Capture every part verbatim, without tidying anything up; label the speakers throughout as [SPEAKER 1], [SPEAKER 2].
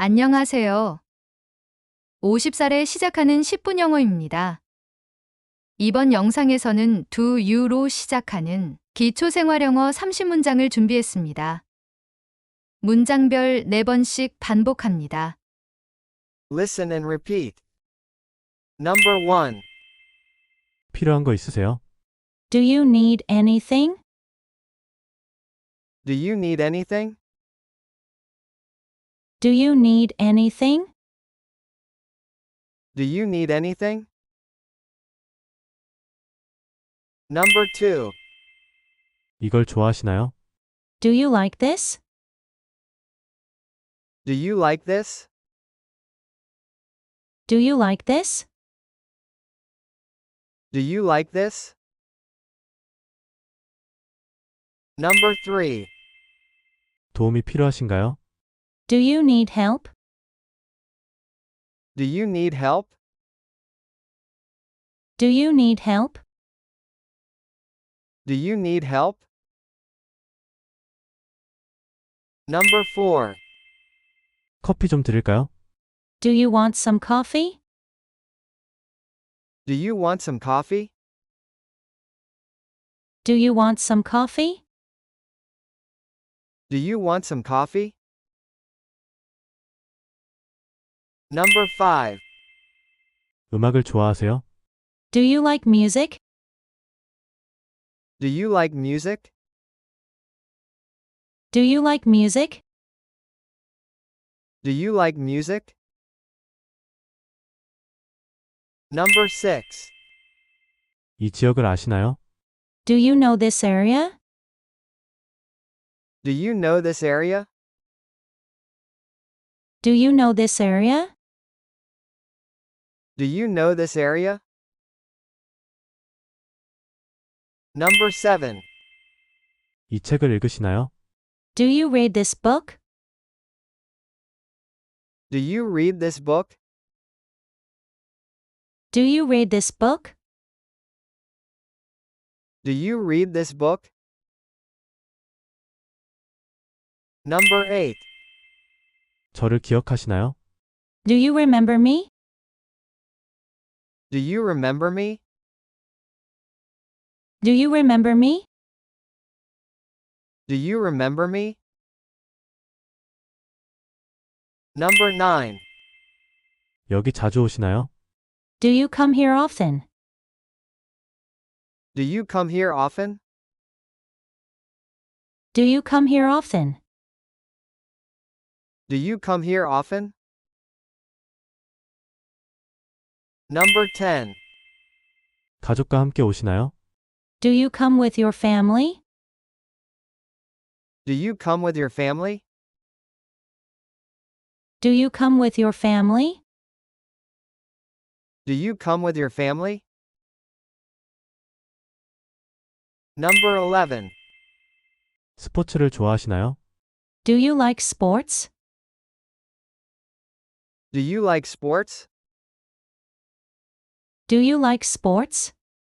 [SPEAKER 1] 안녕하세요. 오십 살에 시작하는 십 분 영어입니다. 이번 영상에서는 do you로 시작하는 기초생활영어 삼십 문장을 준비했습니다. 문장별 네 번씩 반복합니다.
[SPEAKER 2] Listen and repeat. Number one.
[SPEAKER 3] 필요한 거 있으세요?
[SPEAKER 4] Do you need anything?
[SPEAKER 2] Do you need anything?
[SPEAKER 4] Do you need anything?
[SPEAKER 2] Do you need anything? Number two.
[SPEAKER 3] 이걸 좋아하시나요?
[SPEAKER 4] Do you like this?
[SPEAKER 2] Do you like this?
[SPEAKER 4] Do you like this?
[SPEAKER 2] Do you like this? Number three.
[SPEAKER 3] 도움이 필요하신가요?
[SPEAKER 4] Do you need help?
[SPEAKER 2] Do you need help?
[SPEAKER 4] Do you need help?
[SPEAKER 2] Do you need help? Number four.
[SPEAKER 3] 커피 좀 드릴까요?
[SPEAKER 4] Do you want some coffee?
[SPEAKER 2] Do you want some coffee?
[SPEAKER 4] Do you want some coffee?
[SPEAKER 2] Do you want some coffee? Number five.
[SPEAKER 3] 음악을 좋아하세요?
[SPEAKER 4] Do you like music?
[SPEAKER 2] Do you like music?
[SPEAKER 4] Do you like music?
[SPEAKER 2] Do you like music? Number six.
[SPEAKER 3] 이 지역을 아시나요?
[SPEAKER 4] Do you know this area?
[SPEAKER 2] Do you know this area?
[SPEAKER 4] Do you know this area?
[SPEAKER 2] Do you know this area? Number seven.
[SPEAKER 3] 이 책을 읽으시나요?
[SPEAKER 4] Do you read this book?
[SPEAKER 2] Do you read this book?
[SPEAKER 4] Do you read this book?
[SPEAKER 2] Do you read this book? Number eight.
[SPEAKER 3] 저를 기억하시나요?
[SPEAKER 4] Do you remember me?
[SPEAKER 2] Do you remember me?
[SPEAKER 4] Do you remember me?
[SPEAKER 2] Do you remember me? Number nine.
[SPEAKER 3] 여기 자주 오시나요?
[SPEAKER 4] Do you come here often?
[SPEAKER 2] Do you come here often?
[SPEAKER 4] Do you come here often?
[SPEAKER 2] Do you come here often? Number ten.
[SPEAKER 3] 가족과 함께 오시나요?
[SPEAKER 4] Do you come with your family?
[SPEAKER 2] Do you come with your family?
[SPEAKER 4] Do you come with your family?
[SPEAKER 2] Do you come with your family? Number eleven.
[SPEAKER 3] 스포츠를 좋아하시나요?
[SPEAKER 4] Do you like sports?
[SPEAKER 2] Do you like sports?
[SPEAKER 4] Do you like sports?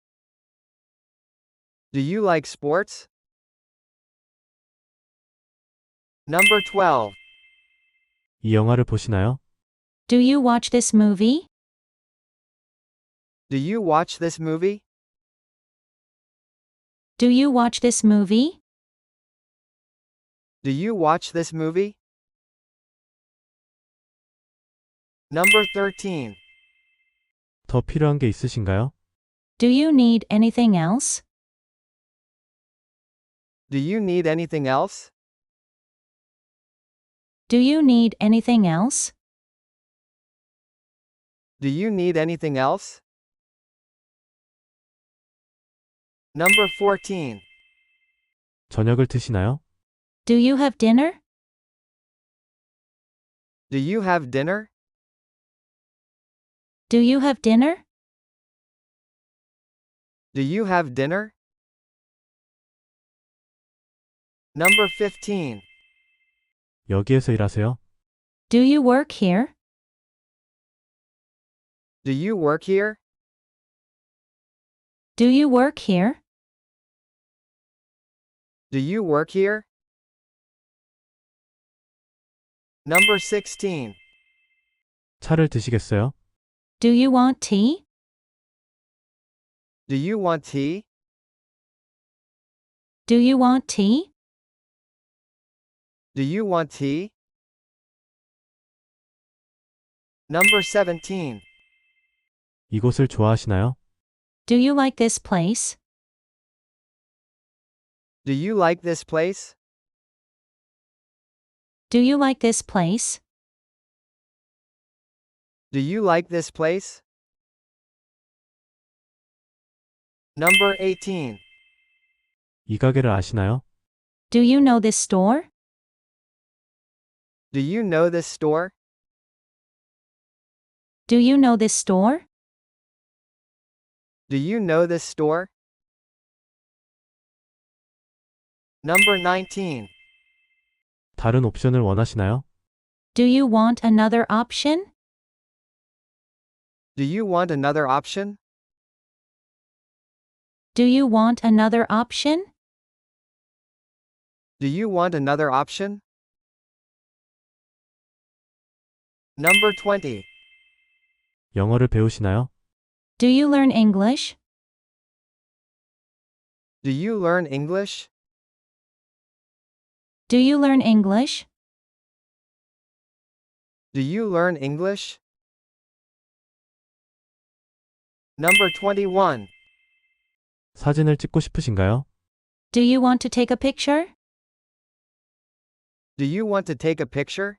[SPEAKER 2] Do you like sports? Number twelve.
[SPEAKER 3] 이 영화를 보시나요?
[SPEAKER 4] Do you watch this movie?
[SPEAKER 2] Do you watch this movie?
[SPEAKER 4] Do you watch this movie?
[SPEAKER 2] Do you watch this movie? Number thirteen.
[SPEAKER 3] 더 필요한 게 있으신가요?
[SPEAKER 4] Do you need anything else?
[SPEAKER 2] Do you need anything else?
[SPEAKER 4] Do you need anything else?
[SPEAKER 2] Do you need anything else? Number fourteen.
[SPEAKER 3] 저녁을 드시나요?
[SPEAKER 4] Do you have dinner?
[SPEAKER 2] Do you have dinner?
[SPEAKER 4] Do you have dinner?
[SPEAKER 2] Do you have dinner? Number fifteen.
[SPEAKER 3] 여기에서 일하세요?
[SPEAKER 4] Do you work here?
[SPEAKER 2] Do you work here?
[SPEAKER 4] Do you work here?
[SPEAKER 2] Do you work here? Number sixteen.
[SPEAKER 3] 차를 드시겠어요?
[SPEAKER 4] Do you want tea?
[SPEAKER 2] Do you want tea?
[SPEAKER 4] Do you want tea?
[SPEAKER 2] Do you want tea? Number seventeen.
[SPEAKER 3] 이곳을 좋아하시나요?
[SPEAKER 4] Do you like this place?
[SPEAKER 2] Do you like this place?
[SPEAKER 4] Do you like this place?
[SPEAKER 2] Do you like this place? Number eighteen.
[SPEAKER 3] 이 가게를 아시나요?
[SPEAKER 4] Do you know this store?
[SPEAKER 2] Do you know this store?
[SPEAKER 4] Do you know this store?
[SPEAKER 2] Do you know this store? Number nineteen.
[SPEAKER 3] 다른 옵션을 원하시나요?
[SPEAKER 4] Do you want another option?
[SPEAKER 2] Do you want another option?
[SPEAKER 4] Do you want another option?
[SPEAKER 2] Do you want another option? Number twenty.
[SPEAKER 3] 영어를 배우시나요?
[SPEAKER 4] Do you learn English?
[SPEAKER 2] Do you learn English?
[SPEAKER 4] Do you learn English?
[SPEAKER 2] Do you learn English? Number twenty-one.
[SPEAKER 3] 사진을 찍고 싶으신가요?
[SPEAKER 4] Do you want to take a picture?
[SPEAKER 2] Do you want to take a picture?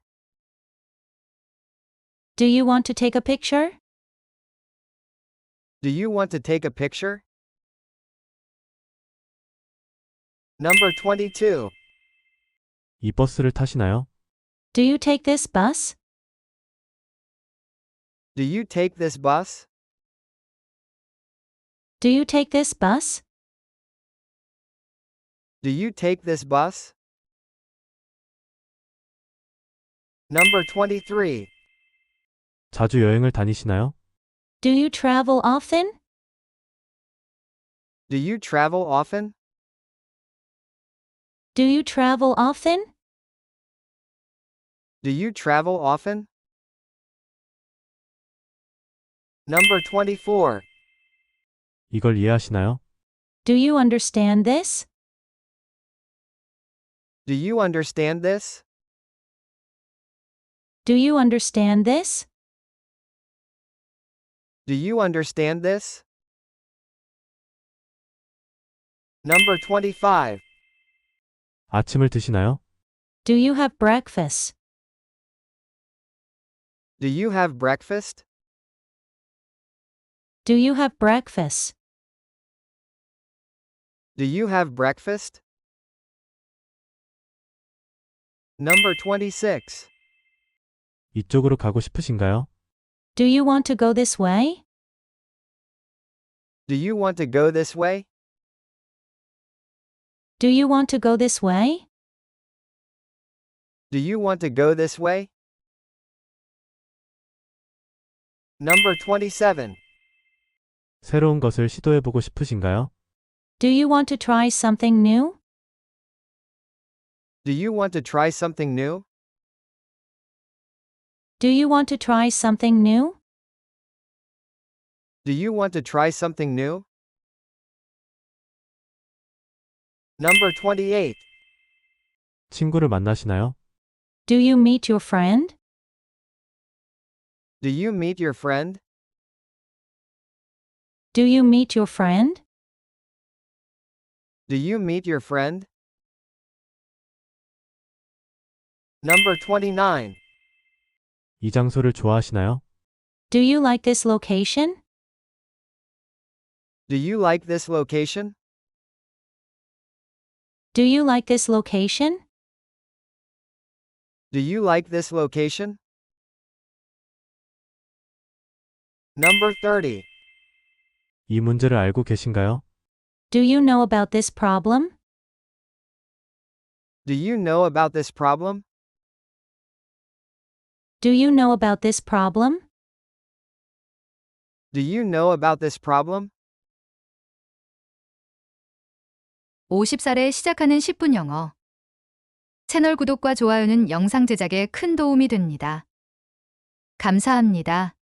[SPEAKER 4] Do you want to take a picture?
[SPEAKER 2] Do you want to take a picture? Number twenty-two.
[SPEAKER 3] 이 버스를 타시나요?
[SPEAKER 4] Do you take this bus?
[SPEAKER 2] Do you take this bus?
[SPEAKER 4] Do you take this bus?
[SPEAKER 2] Do you take this bus? Number twenty-three.
[SPEAKER 3] 자주 여행을 다니시나요?
[SPEAKER 4] Do you travel often?
[SPEAKER 2] Do you travel often?
[SPEAKER 4] Do you travel often?
[SPEAKER 2] Do you travel often? Number twenty-four.
[SPEAKER 3] 이걸 이해하시나요?
[SPEAKER 4] Do you understand this?
[SPEAKER 2] Do you understand this?
[SPEAKER 4] Do you understand this?
[SPEAKER 2] Do you understand this? Number twenty-five.
[SPEAKER 3] 아침을 드시나요?
[SPEAKER 4] Do you have breakfast?
[SPEAKER 2] Do you have breakfast?
[SPEAKER 4] Do you have breakfast?
[SPEAKER 2] Do you have breakfast? Number twenty-six.
[SPEAKER 3] 이쪽으로 가고 싶으신가요?
[SPEAKER 4] Do you want to go this way?
[SPEAKER 2] Do you want to go this way?
[SPEAKER 4] Do you want to go this way?
[SPEAKER 2] Do you want to go this way? Number twenty-seven.
[SPEAKER 3] 새로운 것을 시도해보고 싶으신가요?
[SPEAKER 4] Do you want to try something new?
[SPEAKER 2] Do you want to try something new?
[SPEAKER 4] Do you want to try something new?
[SPEAKER 2] Do you want to try something new? Number twenty-eight.
[SPEAKER 3] 친구를 만나시나요?
[SPEAKER 4] Do you meet your friend?
[SPEAKER 2] Do you meet your friend?
[SPEAKER 4] Do you meet your friend?
[SPEAKER 2] Do you meet your friend? Number twenty-nine.
[SPEAKER 3] 이 장소를 좋아하시나요?
[SPEAKER 4] Do you like this location?
[SPEAKER 2] Do you like this location?
[SPEAKER 4] Do you like this location?
[SPEAKER 2] Do you like this location? Number thirty.
[SPEAKER 3] 이 문제를 알고 계신가요?
[SPEAKER 4] Do you know about this problem?
[SPEAKER 2] Do you know about this problem?
[SPEAKER 4] Do you know about this problem?
[SPEAKER 2] Do you know about this problem?
[SPEAKER 1] 오십 살에 시작하는 십 분 영어. 채널 구독과 좋아요는 영상 제작에 큰 도움이 됩니다. 감사합니다.